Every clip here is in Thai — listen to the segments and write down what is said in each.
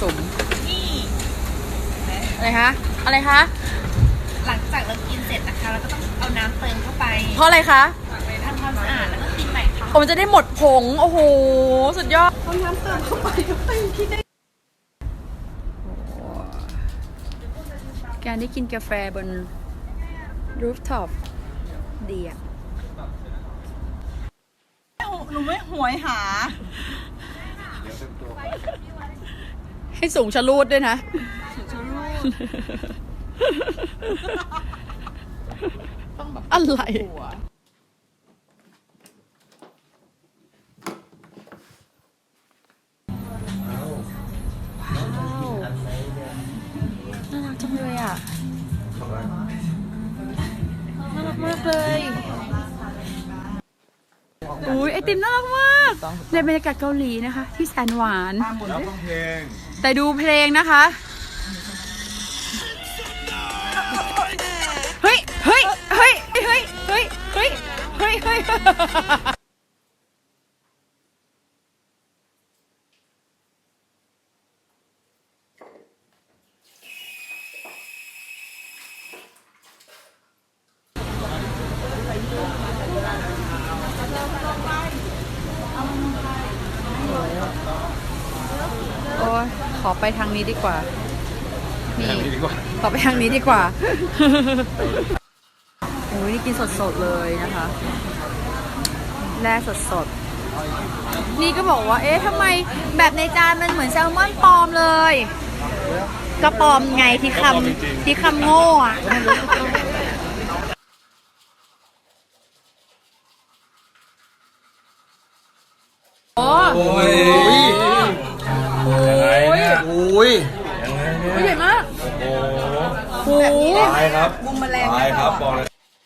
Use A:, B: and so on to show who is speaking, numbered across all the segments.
A: สุม
B: นี่
A: อะไรคะอะไรคะ
B: หลังจากเรากินเสร็จนะคะเราก็ต้องเอาน้ำเติมเข้าไป
A: เพราะอะไรคะ
B: ทำความสะอาดแล้วก็กินใหม่ค่ะ
A: ผมจะได้หมดผงโอ้โหสุดยอด
B: เอาน้ำเติมเข้าไปคิดได้
A: การได้กินกาแฟบนรูฟท็อปดีอะ
B: หนูไม่หวยหา
A: ให้สูงชะลูดด้วยนะ
B: ต้องแบบ
A: อะไร
B: หัว
A: น่ารักจังเลยอ่ะ น่ารักมากเลย อุ้ยไอติมน่ารักมาก ในบรรยากาศเกาหลีนะคะ ที่แสนหวาน
C: แล้วฟังเพลง
A: แต่ดูเพลงนะคะ เฮ้ย เฮ้ย เฮ้ย เฮ้ย เฮ้ย เฮ้ย เฮ้ย เฮ้ย โอ้ยขอไปทางนี้ดีกว่า นี่
C: ดีกว่า
A: ขอไปทางนี้ดีกว่า โอ้ยนี่กินสดๆเลยนะคะแร่สดๆ นี่ก็บอกว่า เอ๊ะทำไมแบบในจานมันเหมือนแซลมอนปลอมเลย ก็ปลอมไงที่คำโง่อะโอ้
C: โอ้ย
A: โอ้ย
C: โอ้ย
A: ใหญ่มาก
C: โอ้
A: โอ้โห
C: ตายครับ
B: มุมแมลง
C: ตายครับบอกเลย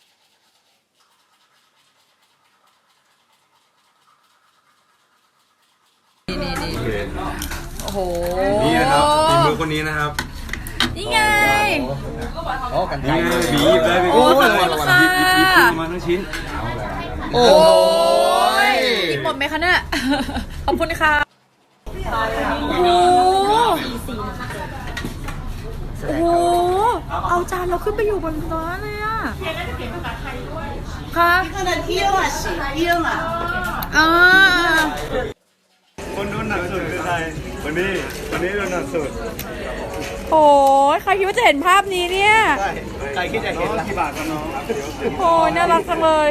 A: นี่
C: โอเค
A: โอ้โห
C: นี่นะครับฝีมือคนนี้นะครับ
A: นี่ไง
C: อ๋อกันไกลบีบได้
A: โอ้ขอบคุณค่ะ
C: บีบมาทั้งชิ้น
A: โอ้ยกินหมดไหมคะเนี่ย ขอบคุณค่ะ โอ้โห โอ้โห เอาจานเราขึ้นไปอยู่บนร้านเลยอ่ะค่ะ
B: ขนาดเที่ยวอ่ะเที่ยวอ่ะ
A: อ่า
C: คนโดนหนักสุดคือใครวันนี้โดนหนักสุด
A: โอ้ยใครคิดว่าจะเห็นภาพนี้เนี่ย
C: ใครคิดจะเห็นกี่บาทกันน้อง
A: โอ้ยน่ารักจังเลย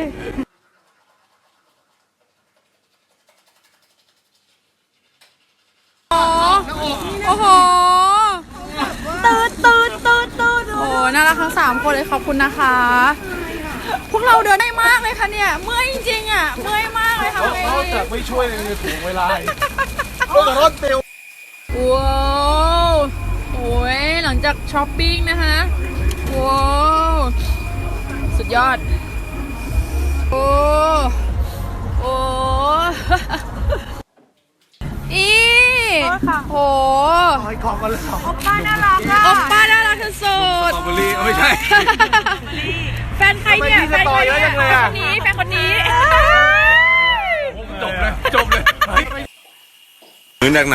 A: โอ้โหตืดโอ้น่ารักทั้ง3คนเลยขอบคุณนะคะ พวกเราเดินได้มากเลยค่ะเนี่ย เมื่อยจริงๆอ่ะ เมื่อยมากเลยค่ะ
C: เขาจะไม่ช่วยในถูกเวลาก็รถเตียว
A: ว้าวโอ้ยหลังจากช้อปปิ้งนะคะว้าวสุดยอด โอ้โอ้อีโอ้
C: ไอ้ของกันเลย
B: ป้าน่ารักอ่ะ
A: โอปป้าน่ารักที่สุด
C: สตรอเบอรี่ไม่ใช่
A: แฟนใครเนี่ย แฟนคนนี้ แฟนคนนี้
C: จบเลย